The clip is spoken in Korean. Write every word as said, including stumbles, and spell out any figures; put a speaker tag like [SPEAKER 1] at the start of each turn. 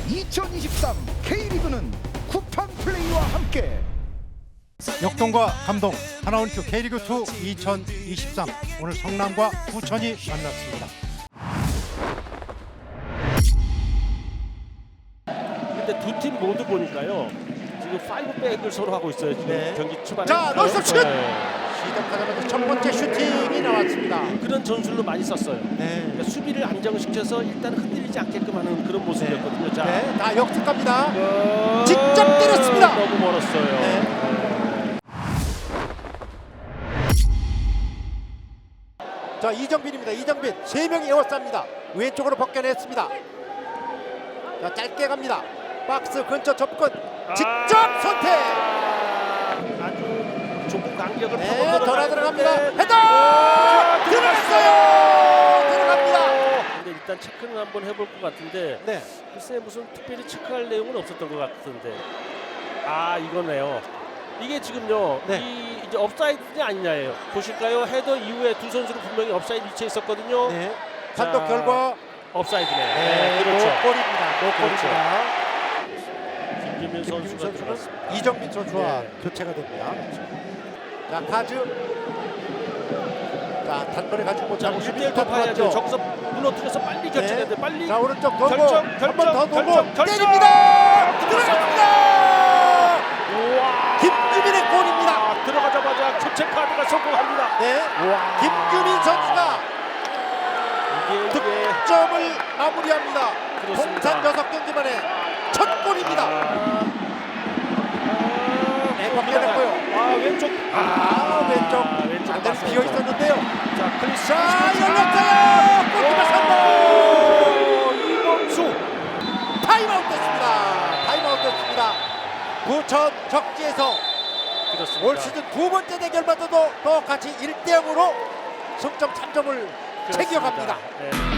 [SPEAKER 1] 이천이십삼 K리그는 쿠팡 플레이와 함께
[SPEAKER 2] 역동과 감동 하나원큐 K리그 이 이천이십삼 오늘 성남과 부천이 만났습니다.
[SPEAKER 3] 근데 두 팀 모두 보니까요 지금 파이브백을 서로 하고 있어요. 지금
[SPEAKER 2] 네.
[SPEAKER 3] 경기 초반에.
[SPEAKER 2] 자, 넣었어, 슛!
[SPEAKER 3] 네.
[SPEAKER 2] 시작하자마자 첫 번째 슈팅이 나왔습니다.
[SPEAKER 3] 그런 전술로 많이 썼어요.
[SPEAKER 2] 네.
[SPEAKER 3] 그러니까 수비를 안정시켜서 일단 흔들리지 않게끔 하는 그런 모습이었거든요. 자,
[SPEAKER 2] 네, 다 역습합니다.
[SPEAKER 3] 어...
[SPEAKER 2] 직접 때렸습니다.
[SPEAKER 3] 너무 멀었어요.
[SPEAKER 2] 네.
[SPEAKER 3] 네.
[SPEAKER 2] 자, 이정빈입니다. 이정빈 세 명이 에워쌉니다. 왼쪽으로 벗겨냈습니다. 자, 짧게 갑니다. 박스 근처 접근 직접
[SPEAKER 3] 아...
[SPEAKER 2] 선택.
[SPEAKER 3] 아주 좁은 간격을
[SPEAKER 2] 네,
[SPEAKER 3] 파고
[SPEAKER 2] 돌아 들어갑니다.
[SPEAKER 3] 들어가는데
[SPEAKER 2] 헤더
[SPEAKER 3] 아,
[SPEAKER 2] 들어갔어요. 들어갑니다.
[SPEAKER 3] 근데 일단 체크는 한번 해볼 것 같은데
[SPEAKER 2] 네.
[SPEAKER 3] 글쎄 무슨 특별히 체크할 내용은 없었던 것 같은데 아 이거네요. 이게 지금요
[SPEAKER 2] 네.
[SPEAKER 3] 이 이제 업사이드냐 아니냐예요. 보실까요? 헤더 이후에 두 선수는 분명히 업사이드 위치에 있었거든요.
[SPEAKER 2] 네. 판독
[SPEAKER 3] 자,
[SPEAKER 2] 결과
[SPEAKER 3] 업사이드네.
[SPEAKER 2] 네,
[SPEAKER 3] 네, 그렇죠.
[SPEAKER 2] 노골입니다. 노골입니다.
[SPEAKER 3] 김규민
[SPEAKER 2] 김규민
[SPEAKER 3] 선수가
[SPEAKER 2] 선수는
[SPEAKER 3] 들어갔습니다.
[SPEAKER 2] 이정빈 선수와
[SPEAKER 3] 네.
[SPEAKER 2] 교체가 됩니다. 자, 카즈. 자, 단번에 가지고 못하고
[SPEAKER 3] 일 대 일 돌파해야죠. 저기서 무너뜨려서 빨리 결정해야 돼. 빨리.
[SPEAKER 2] 자, 오른쪽 돌고
[SPEAKER 3] 결정,
[SPEAKER 2] 한 번 더
[SPEAKER 3] 결정,
[SPEAKER 2] 돌고
[SPEAKER 3] 결정, 결정!
[SPEAKER 2] 때립니다. 들어갑니다.
[SPEAKER 3] 우와.
[SPEAKER 2] 김규민의 골입니다.
[SPEAKER 3] 아, 들어가자마자 교체 카드가 성공합니다.
[SPEAKER 2] 네.
[SPEAKER 3] 우와.
[SPEAKER 2] 김규민 선수가
[SPEAKER 3] 이게 이게
[SPEAKER 2] 득점을 마무리합니다.
[SPEAKER 3] 그렇습니다.
[SPEAKER 2] 통산 여섯 경기 만에 첫 골입니다.
[SPEAKER 3] 아,
[SPEAKER 2] 네, 벗겨냈고요.
[SPEAKER 3] 아 왼쪽.
[SPEAKER 2] 아, 왼쪽.
[SPEAKER 3] 왼쪽
[SPEAKER 2] 상대는 비어 있었는데요.
[SPEAKER 3] 자, 크리스.
[SPEAKER 2] 자, 열렸어요. 골키퍼 삼 번.
[SPEAKER 3] 이범수.
[SPEAKER 2] 타임아웃 됐습니다. 타임아웃 됐습니다. 부천 적지에서
[SPEAKER 3] 그렇습니다.
[SPEAKER 2] 올 시즌 두 번째 대결마저도 똑같이 일 대 영으로 승점 삼 점을 챙겨갑니다.
[SPEAKER 3] 네.